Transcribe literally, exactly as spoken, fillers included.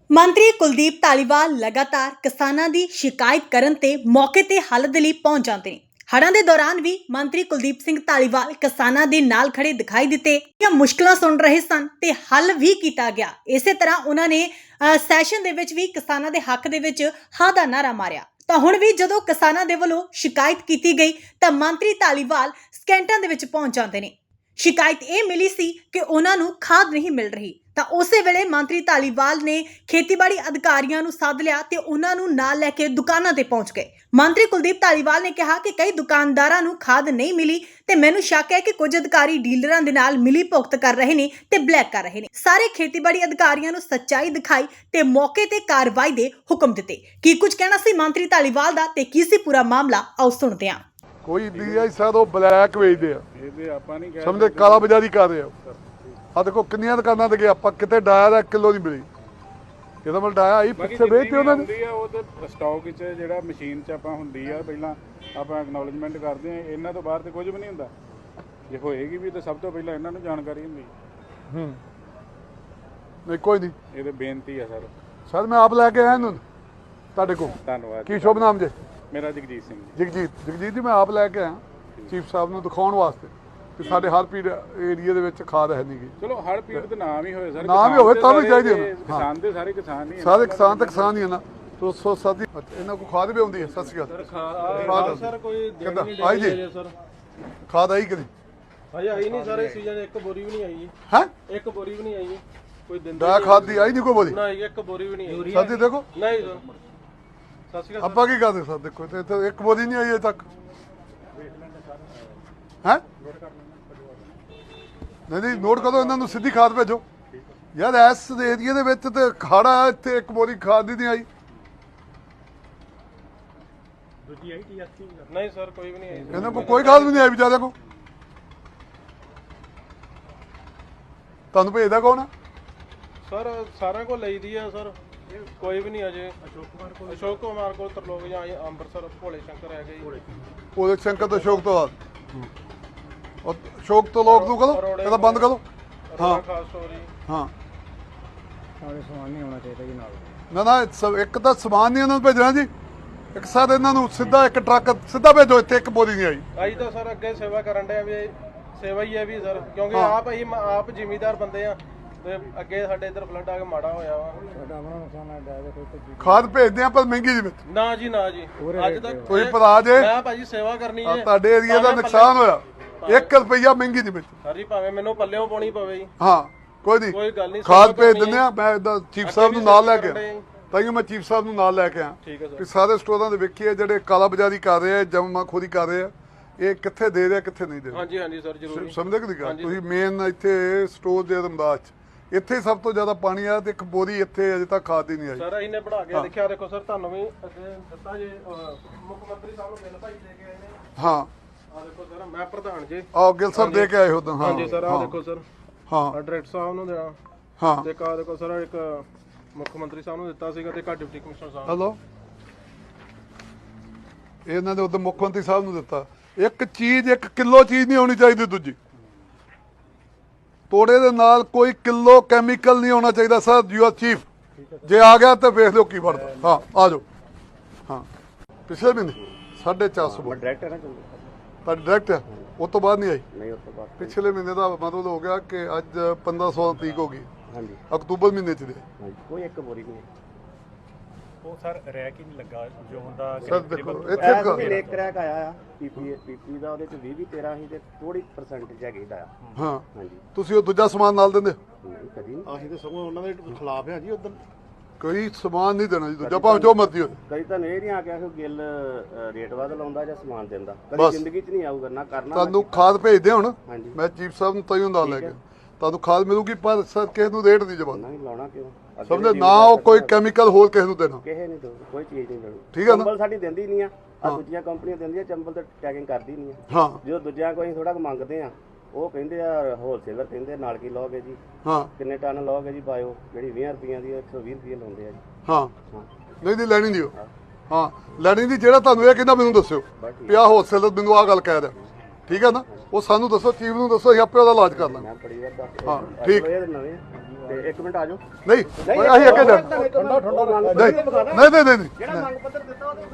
ਮੰਤਰੀ ਕੁਲਦੀਪ ਧਾਲੀਵਾਲ ਲਗਾਤਾਰ ਕਿਸਾਨਾਂ ਦੀ ਸ਼ਿਕਾਇਤ ਕਰਨ ਤੇ ਮੌਕੇ ਤੇ ਹੱਲ ਦੇ ਲਈ ਪਹੁੰਚ ਜਾਂਦੇ ਨੇ। ਹੜ੍ਹਾਂ ਦੇ ਦੌਰਾਨ ਵੀ ਮੰਤਰੀ ਕੁਲਦੀਪ ਸਿੰਘ ਧਾਲੀਵਾਲ ਕਿਸਾਨਾਂ ਦੇ ਨਾਲ ਖੜੇ ਦਿਖਾਈ ਦਿੱਤੇ ਜਾਂ ਮੁਸ਼ਕਲਾਂ ਸੁਣ ਰਹੇ ਸਨ ਤੇ ਹੱਲ ਵੀ ਕੀਤਾ ਗਿਆ। ਇਸੇ ਤਰ੍ਹਾਂ ਉਹਨਾਂ ਨੇ ਸੈਸ਼ਨ ਦੇ ਵਿੱਚ ਵੀ ਕਿਸਾਨਾਂ ਦੇ ਹੱਕ ਦੇ ਵਿੱਚ ਹਾਂ ਦਾ ਨਾਰਾ ਮਾਰਿਆ। ਤਾਂ ਹੁਣ ਵੀ ਜਦੋਂ ਕਿਸਾਨਾਂ ਦੇ ਵੱਲੋਂ ਸ਼ਿਕਾਇਤ ਕੀਤੀ ਗਈ ਤਾਂ ਮੰਤਰੀ ਧਾਲੀਵਾਲ ਸਕਿੰਟਾਂ ਦੇ ਵਿੱਚ ਪਹੁੰਚ ਜਾਂਦੇ ਨੇ। ਸ਼ਿਕਾਇਤ ਇਹ ਮਿਲੀ ਸੀ ਕਿ ਉਹਨਾਂ ਨੂੰ ਖਾਦ ਨਹੀਂ ਮਿਲ ਰਹੀ ਤਾਂ ਉਸੇ ਵੇਲੇ ਮੰਤਰੀ ਧਾਲੀਵਾਲ ਨੇ ਖੇਤੀਬਾੜੀ ਅਧਿਕਾਰੀਆਂ ਨੂੰ ਸੱਦ ਲਿਆ ਤੇ ਉਹਨਾਂ ਨੂੰ ਨਾਲ ਲੈ ਕੇ ਦੁਕਾਨਾਂ ਤੇ ਪਹੁੰਚ ਗਏ। ਮੰਤਰੀ ਕੁਲਦੀਪ ਧਾਲੀਵਾਲ ਨੇ ਕਿਹਾ ਕਿ ਕਈ ਦੁਕਾਨਦਾਰਾਂ ਨੂੰ ਖਾਦ ਨਹੀਂ ਮਿਲੀ ਤੇ ਮੈਨੂੰ ਸ਼ੱਕ ਹੈ ਕਿ ਕੁਝ ਅਧਿਕਾਰੀ ਡੀਲਰਾਂ ਦੇ ਨਾਲ ਮਿਲੀ ਭੁਗਤ ਕਰ ਰਹੇ ਨੇ ਤੇ ਬਲੈਕ ਕਰ ਰਹੇ ਨੇ। ਸਾਰੇ ਖੇਤੀਬਾੜੀ ਅਧਿਕਾਰੀਆਂ ਨੂੰ ਸੱਚਾਈ ਦਿਖਾਈ ਤੇ ਮੌਕੇ ਤੇ ਕਾਰਵਾਈ ਦੇ ਹੁਕਮ ਦਿੱਤੇ। ਕੀ ਕੁਝ ਕਹਿਣਾ ਸੀ ਮੰਤਰੀ ਧਾਲੀਵਾਲ ਦਾ ਤੇ ਕੀ ਸੀ ਪੂਰਾ ਮਾਮਲਾ, ਆਓ ਸੁਣਦੇ ਹਾਂ। ਕੋਈ ਡੀਆਈ ਸਾਹਿਬ ਉਹ ਬਲੈਕ ਵੇਚਦੇ ਆ, ਇਹਦੇ ਆਪਾਂ ਨਹੀਂ ਕਹਿ ਸਮਝਦੇ ਕਾਲਾ ਬਾਜ਼ਾਰੀ ਕਰ ਰਹੇ ਆ। ਆ ਦੇਖੋ ਕਿੰਨੀਆਂ ਦੁਕਾਨਾਂ ਤੇ ਗਏ ਆਪਾਂ, ਕਿਤੇ ਡਾਇਆ ਦਾ ਕਿਲੋ ਨਹੀਂ ਮਿਲੀ, ਇਹਦਾ ਮਤਲਬ ਡਾਇਆ ਆਈ ਪਿੱਛੇ ਵੇਚਦੇ ਉਹਨਾਂ ਨੇ। ਉਹ ਤੇ ਸਟਾਕ ਵਿੱਚ ਜਿਹੜਾ ਮਸ਼ੀਨ 'ਚ ਆਪਾਂ ਹੁੰਦੀ ਆ, ਪਹਿਲਾਂ ਆਪਾਂ ਐਕਨੋਲਜਮੈਂਟ ਕਰਦੇ ਆ, ਇਹਨਾਂ ਤੋਂ ਬਾਹਰ ਤੇ ਕੁਝ ਵੀ ਨਹੀਂ ਹੁੰਦਾ। ਜੇ ਹੋਏਗੀ ਵੀ ਤਾਂ ਸਭ ਤੋਂ ਪਹਿਲਾਂ ਇਹਨਾਂ ਨੂੰ ਜਾਣਕਾਰੀ ਹੁੰਦੀ। ਹੂੰ ਨਹੀਂ ਕੋਈ ਨਹੀਂ, ਇਹਦੇ ਬੇਨਤੀ ਆ ਸਰ। ਸਰ ਮੈਂ ਆਪ ਲੈ ਕੇ ਆਇਆ ਇਹਨੂੰ ਤੁਹਾਡੇ ਕੋਲ। ਧੰਨਵਾਦ। ਕੀ ਸ਼ੁਭ ਨਾਮ ਜੇ? ਮੇਰਾ ਜਗਜੀਤ ਸਿੰਘ। ਜਗਜੀਤ ਜਗਜੀਤ ਜੀ ਮੈਂ ਆਪ ਲੈ ਕੇ ਆਇਆ ਚੀਫ ਸਾਹਿਬ ਨੂੰ ਦਿਖਾਉਣ ਵਾਸਤੇ ਕਿ ਸਾਡੇ ਹਰ ਪੀੜ ਏਰੀਆ ਦੇ ਵਿੱਚ ਖਾਦ ਹੈ ਨਹੀਂ ਗੀ। ਚਲੋ ਹਰ ਪੀੜ ਦਾ ਨਾਮ ਹੀ ਹੋਵੇ ਸਰ, ਨਾਮ ਹੀ ਹੋਵੇ ਤਾਂ ਵੀ ਚਾਹੀਦੀ ਹੈ। ਕਿਸਾਨ ਦੇ ਸਾਰੇ ਕਿਸਾਨ ਨਹੀਂ, ਸਾਰੇ ਕਿਸਾਨ ਤਾਂ ਕਿਸਾਨ ਹੀ ਹੈ ਨਾ। ਤੋ ਸੋ ਸਾਡੀ ਇਹਨਾਂ ਕੋਲ ਖਾਦ ਵੀ ਆਉਂਦੀ ਹੈ। ਸਤਿ ਸ਼੍ਰੀ ਅਕਾਲ ਸਰ। ਕੋਈ ਕਿੱਦਾਂ ਆਈ ਜੀ ਸਰ? ਖਾਦ ਆਈ ਕਦੀ? ਹਜੇ ਆਈ ਨਹੀਂ ਸਾਰੇ ਸੀਜ਼ਨ, ਇੱਕ ਬੋਰੀ ਵੀ ਨਹੀਂ ਆਈ ਜੀ। ਹੈ ਇੱਕ ਬੋਰੀ ਵੀ ਨਹੀਂ ਆਈ ਜੀ। ਕੋਈ ਦਿੰਦਾ ਦਾ ਖਾਦ ਦੀ ਆਈ ਨਹੀਂ ਕੋਈ ਬੋਲੀ? ਨਹੀਂ, ਇੱਕ ਬੋਰੀ ਵੀ ਨਹੀਂ ਆਈ। ਸਾਡੀ ਦੇਖੋ ਨਹੀਂ ਸਰ। ਸਤਿ ਸ਼੍ਰੀ ਅਕਾਲ। ਆਪਾਂ ਕੀ ਕਰਦੇ ਸਰ? ਦੇਖੋ ਇੱਥੇ ਇੱਥੇ ਇੱਕ ਬੋਲੀ ਨਹੀਂ ਆਈ ਅਜੇ ਤੱਕ। ਹੈ ਨਹੀਂ ਨਹੀਂ ਨੋਟ ਕਰੋ, ਇਹਨਾਂ ਨੂੰ ਸਿੱਧੀ ਖਾਦ ਭੇਜੋ ਯਾਰ। ਇਸ ਏਰੀਏ ਦੇ ਵਿੱਚ ਤੇ ਖਾੜਾ, ਇੱਥੇ ਇੱਕ ਬੋਰੀ ਖਾਦ ਦੀ ਨਹੀਂ ਆਈ। ਦੂਜੀ ਆਈ ਟੀਐਸਪੀ? ਨਹੀਂ ਸਰ, ਕੋਈ ਵੀ ਨਹੀਂ ਆਈ। ਇਹਨਾਂ ਕੋਲ ਕੋਈ ਖਾਦ ਵੀ ਨਹੀਂ ਆਈ ਵਿਚਾਰਿਆਂ ਕੋਲ। ਤੁਹਾਨੂੰ ਭੇਜਦਾ ਕੌਣ ਆ? ਸਰ ਸਾਰਿਆਂ ਕੋਲ ਲਈਦੀ ਆ ਸਰ, ਕੋਈ ਵੀ ਨਹੀਂ ਅਜੇ। ਅਸ਼ੋਕ ਕੁਮਾਰ ਕੋਲ ਅਸ਼ੋਕ ਕੁਮਾਰ ਕੋਲ ਤਰਲੋਕ ਜਾਂ ਅੰਮ੍ਰਿਤਸਰ ਭੋਲੇ ਸ਼ੰਕਰ ਹੈਗੇ ਜੀ। ਭੋਲੇ ਸ਼ੰਕਰ ਤੋਂ ਅਸ਼ੋਕ ਤੋਂ ਬਾਅਦ ਉਹ ਅਸ਼ੋਕ ਤੋਂ ਲੋਕ ਨੂੰ ਕਹੋ ਇਹਦਾ ਬੰਦ ਕਰੋ। ਹਾਂ ਖਾਸ ਸਟੋਰੀ। ਹਾਂ ਸਾਰੇ ਸਮਾਨ ਨਹੀਂ ਆਉਣਾ ਚਾਹੀਦਾ ਜੀ ਨਾਲ। ਨਾ ਨਾ ਸ- ਇੱਕ ਤਾਂ ਸਮਾਨ ਨਹੀਂ ਇਹਨਾਂ ਨੂੰ ਭੇਜਣਾ ਜੀ, ਇੱਕ ਸਾਥ ਇਹਨਾਂ ਨੂੰ ਸਿੱਧਾ ਇੱਕ ਟਰੱਕ ਸਿੱਧਾ ਭੇਜੋ। ਇੱਥੇ ਇੱਕ ਬੋਰੀ ਨਹੀਂ ਆਈ। ਆਈ ਤਾਂ ਸਰ ਅੱਗੇ ਸੇਵਾ ਕਰਨ ਡਿਆ ਵੀ, ਸੇਵਾ ਹੀ ਹੈ ਵੀ ਸਰ, ਕਿਉਂਕਿ ਹਾਂ। ਆਪ ਅਸੀਂ ਆਪ ਜ਼ਿਮੀਦਾਰ ਬੰਦੇ ਆ ਤੇ ਅੱਗੇ ਸਾਡੇ ਇੱਧਰ ਫਲੱਡ ਆ ਕੇ ਮਾੜਾ ਹੋਇਆ ਵਾ। ਸਾਡਾ ਆਪਣਾ ਨੁਕਸਾਨ ਹੈ ਡਾਇਰੇ ਕੋਈ ਤੇ ਖਾਦ ਭੇਜਦੇ ਆ ਪਰ ਮਹਿੰਗੀ ਜੀ ਵਿੱਚ। ਨਾ ਜੀ ਨਾ ਜੀ, ਅੱਜ ਤੱਕ ਕੋਈ ਭਰਾ ਜੇ ਮੈਂ ਭਾਜੀ ਸੇਵਾ ਕਰਨੀ ਆਹ ਹੈ। ਤੁਹਾਡੇ ਏਰੀਆ ਦਾ ਨੁਕਸਾਨ ਹੋਇਆ, ਇੱਕ ਰੁਪਈਆ ਮਹਿੰਗੀ ਦੀ ਵਿੱਚ। ਸਰ ਜੀ ਭਾਵੇਂ ਮੈਨੂੰ ਪੱਲਿਓਂ ਪਾਉਣੀ ਪਵੇ ਜੀ, ਹਾਂ ਕੋਈ ਨਹੀਂ, ਕੋਈ ਗੱਲ ਨਹੀਂ। ਖਾਦ ਸੇਵਾ ਭੇਜ ਕਰਨੀ ਦਿੰਦੇ ਹੈ। ਆ। ਮੈਂ ਇਦਾਂ ਚੀਫ ਅੱਗੇ ਸਾਹਿਬ ਵੀ ਨੂੰ ਨਾਲ ਲੈ ਸੇਵਾ ਕੇ ਕਰਨ ਆ, ਤਾਂ ਹੀ ਮੈਂ ਚੀਫ ਸਾਹਿਬ ਨੂੰ ਨਾਲ ਲੈ ਕੇ ਆ ਠੀਕ ਹੈ ਕਿ ਸਰ। ਸਾਰੇ ਸਟੋਰਾਂ ਦੇ ਵੇਖੀਏ ਜਿਹੜੇ ਕਾਲਾ ਬਾਜ਼ਾਰੀ ਕਰ ਰਹੇ ਆ, ਜਮਾਖੋਰੀ ਕਰ ਰਹੇ ਆ, ਇਹ ਕਿੱਥੇ ਦੇ ਰਹੇ ਆ ਕਿੱਥੇ ਨਹੀਂ ਦੇ ਰਹੇ। ਹਾਂਜੀ ਹਾਂਜੀ ਸਰ ਜ਼ਰੂਰ। ਸਮਝਦੇ ਕਿ ਨਹੀਂ ਗੱਲ? ਤੁਸੀਂ ਮੇਨ ਇੱਥੇ ਸਟੋਰ ਦੇ ਰਮਦਾਸ ਚ ਇੱਥੇ ਸਭ ਤੋਂ ਜ਼ਿਆਦਾ ਪਾਣੀ ਆ ਤੇ ਇੱਕ ਬੋਰੀ ਇੱਥੇ ਅਜੇ ਤੱਕ ਖਾਦ ਹੀ ਨਹੀਂ ਆਈ। ਸਰ ਅਸੀਂ ਨੇ ਬਣਾ ਕੇ ਦੇਖਿਆ, ਦੇਖੋ ਸਰ ਤੁਹਾਨੂੰ ਵੀ ਅੱਗੇ ਦਿੱਤਾ ਜੇ, ਅਹ, ਮੁੱਖ ਮੰਤਰੀ ਸਾਹਿਬ ਨੂੰ ਮਿਲ ਭਾਈ ਦੇ ਕੇ ਆਏ ਨੇ। ਹਾਂ ਆ ਦੇਖੋ ਸਰ, ਮੈਂ ਪ੍ਰਧਾਨ ਜੀ। ਆਹ ਗਿੱਲ ਸਾਹਿਬ ਦੇ ਕੇ ਆਏ ਹੋ ਤਾਂ। ਹਾਂ ਹਾਂਜੀ ਸਰ, ਆ ਦੇਖੋ ਸਰ, ਹਾਂ ਆ ਡਾਇਰੈਕਟਰ ਸਾਹਿਬ ਨੂੰ ਦੇਣਾ ਹਾਂ ਤੇ ਕਾ ਦੇਖੋ ਸਰ, ਇੱਕ ਮੁੱਖ ਮੰਤਰੀ ਸਾਹਿਬ ਨੂੰ ਦਿੱਤਾ ਸੀਗਾ ਤੇ ਕਾ ਡਿਪਟੀ ਕਮਿਸ਼ਨਰ ਸਾਹਿਬ। ਹਲੋ ਇਹਨਾਂ ਦੇ ਉਦੋਂ ਮੁੱਖ ਮੰਤਰੀ ਸਾਹਿਬ ਨੂੰ ਦਿੱਤਾ। ਇੱਕ ਚੀਜ਼ ਇੱਕ ਕਿਲੋ ਚੀਜ਼ ਨਹੀਂ ਹੋਣੀ ਚਾਹੀਦੀ ਦੂਜੀ। ਤੋੜੇ ਦੇ ਨਾਲ ਕੋਈ ਕਿਲੋ ਕੈਮੀਕਲ ਨਹੀਂ ਹੋਣਾ ਚਾਹੀਦਾ। ਸਰ ਯੂ ਆਰ ਚੀਫ, ਜੇ ਆ ਗਿਆ ਤਾਂ ਵੇਖ ਲਿਓ ਕੀ ਬਣਦਾ। ਹਾਂ ਆ ਜਾਓ। ਹਾਂ ਪਿਛਲੇ ਮਹੀਨੇ ਸਾਢੇ ਚਾਰ ਸੌ ਡਾਇਰੈਕਟਰ ਹੈ ਤੁਹਾਡੀ ਡਾਇਰੈਕਟ ਆ, ਉਹ ਤੋਂ ਬਾਅਦ ਨਹੀਂ ਆਈ। ਨਹੀਂ ਉਸ ਤੋਂ ਬਾਅਦ ਪਿਛਲੇ ਮਹੀਨੇ ਦਾ ਮਤਲਬ ਹੋ ਗਿਆ ਕਿ ਅੱਜ ਪੰਦਰਾਂ ਸੌ ਤਰੀਕ ਹੋ ਗਈ, ਹਾਂਜੀ ਅਕਤੂਬਰ ਮਹੀਨੇ ਚ ਦੇ। ਹਾਂਜੀ ਕੋਈ ਇੱਕ ਬੋਰੀ ਨਹੀਂ। ਉਹ ਸਰ ਰੈਕ ਹੀ ਨਹੀਂ ਲੱਗਾ ਜੋ ਹੁੰਦਾ। ਸਰ ਦੇਖੋ ਐਸ ਇੱਥੇ ਵੀ ਲੇਕ ਕਰੈਕ ਆਇਆ ਆ ਪੀਪੀ ਪੀਪੀ ਦਾ, ਉਹਦੇ ਚ ਵੀਹ ਵੀਹ ਤੇਰਾਂ ਹੀ ਤੇ ਥੋੜੀ ਪਰਸੈਂਟੇਜ ਹੈਗੀ ਦਾ। ਹਾਂ ਹਾਂਜੀ ਤੁਸੀਂ ਉਹ ਦੂਜਾ ਸਮਾਨ ਨਾਲ ਦਿੰਦੇ? ਨਹੀਂ ਕਦੀ ਨਹੀਂ। ਅਸੀਂ ਤਾਂ ਸਗੋਂ ਉਹਨਾਂ ਦੇ ਖਿਲਾਫ ਆ ਜੀ। ਉਦੋਂ ਕੋਈ ਸਮਾਨ ਨਹੀਂ ਦੇਣਾ ਜੀ ਦੂਜਾ, ਭਾਵੇਂ ਜੋ ਮਰਜ਼ੀ ਹੋਵੇ। ਕਦੀ ਤਾਂ ਇਹ ਨਹੀਂ ਆ ਕਿ ਗਿੱਲ ਅ, ਰੇਟ ਵੱਧ ਲਾਉਂਦਾ ਜਾਂ ਸਮਾਨ ਦਿੰਦਾ। ਬਸ। ਕਦੀ ਜ਼ਿੰਦਗੀ 'ਚ ਨਹੀਂ ਆਊਗਾ ਨਾ ਕਰਨਾ। ਤੁਹਾਨੂੰ ਖਾਦ ਭੇਜਦੇ ਹੁਣ, ਹਾਂਜੀ। ਮੈਂ ਚੀਫ ਸਾਹਿਬ ਨੂੰ ਤੈਨੂੰ ਨਾਲ ਲੈ ਕੇ ਤੁਹਾਨੂੰ ਖਾਦ ਮਿਲੂਗੀ, ਪਰ ਸਰ ਕਿਸੇ ਨੂੰ ਰੇਟ ਨਹੀਂ ਜਵਾਬ ਨਹੀਂ ਲਾਉਣਾ ਕਿਉਂ? ਅੱਗੇ ਸਮਝੇ ਵੀ ਨਾ। ਉਹ ਕੋਈ ਕੈਮੀਕਲ ਹੋਰ ਕਿਸੇ ਨੂੰ ਦੇਣਾ, ਕਿਸੇ ਨਹੀਂ ਦੋ, ਕੋਈ ਚੀਜ਼ ਨਹੀਂ ਦੇਣੀ। ਠੀਕ ਹੈ ਨਾ? ਚੰਬਲ ਸਾਡੀ ਦਿੰਦੀ ਨਹੀਂ ਆ, ਆ ਦੂਜੀਆਂ ਕੰਪਨੀਆਂ ਦਿੰਦੀਆਂ, ਚੰਬਲ ਤੇ ਟੈਗਿੰਗ ਕਰਦੀ ਨਹੀਂ ਆ। ਹਾਂ ਜਦੋਂ ਦੂਜਿਆਂ ਕੋਈ ਥੋੜਾ ਕੁ ਮੰਗਦੇ ਆ, ਉਹ ਕਹਿੰਦੇ ਆ ਹੋਲਸੇਲਰ ਕਹਿੰਦੇ ਨਾਲ ਕੀ ਲਓਗੇ ਜੀ, ਹਾਂ ਕਿੰਨੇ ਟਨ ਲਓਗੇ ਜੀ ਬਾਇਓ, ਜਿਹੜੀ ਵੀਹ ਰੁਪਈਆਂ ਦੀ ਇੱਕ ਸੌ ਵੀਹ ਰੁਪਏ ਲਾਉਂਦੇ ਆ ਜੀ। ਹਾਂ ਹਾਂ ਨਹੀਂ ਨਹੀਂ ਲੈਣੀ ਨਹੀਂ ਉਹ। ਹਾਂ ਲੈਣੀ ਨਹੀਂ। ਜਿਹੜਾ ਤੁਹਾਨੂੰ ਇਹ ਕਹਿੰਦਾ ਮੈਨੂੰ ਦੱਸਿਓ ਪਿਆ ਹੋਲਸੇਲਰ ਮੈਨੂੰ ਆਹ ਗੱਲ ਕਹਿ ਰਿਹਾ, ਠੀਕ ਹੈ ਨਾ? ਉਹ ਸਾਨੂੰ ਦੱਸੋ, ਚੀਫ ਨੂੰ ਦੱਸੋ, ਅਸੀਂ ਆਪੇ ਉਹਦਾ ਇਲਾਜ ਕਰ ਲਾਂਗੇ। ਮੈਂ ਬੜੀ ਵਾਰ ਦੱਸ ਹਾਂ ਠੀਕ। ਇਹ ਨਵੇਂ ਤੇ ਇੱਕ ਮਿੰਟ ਆ ਜਾਓ ਨਹੀਂ ਅਸੀਂ ਅੱਗੇ ਜਾ ਨਹੀਂ ਨਹੀਂ ਨਹੀਂ ਨਹੀਂ ਜਿਹੜਾ ਮੰਗ ਪੱਤਰ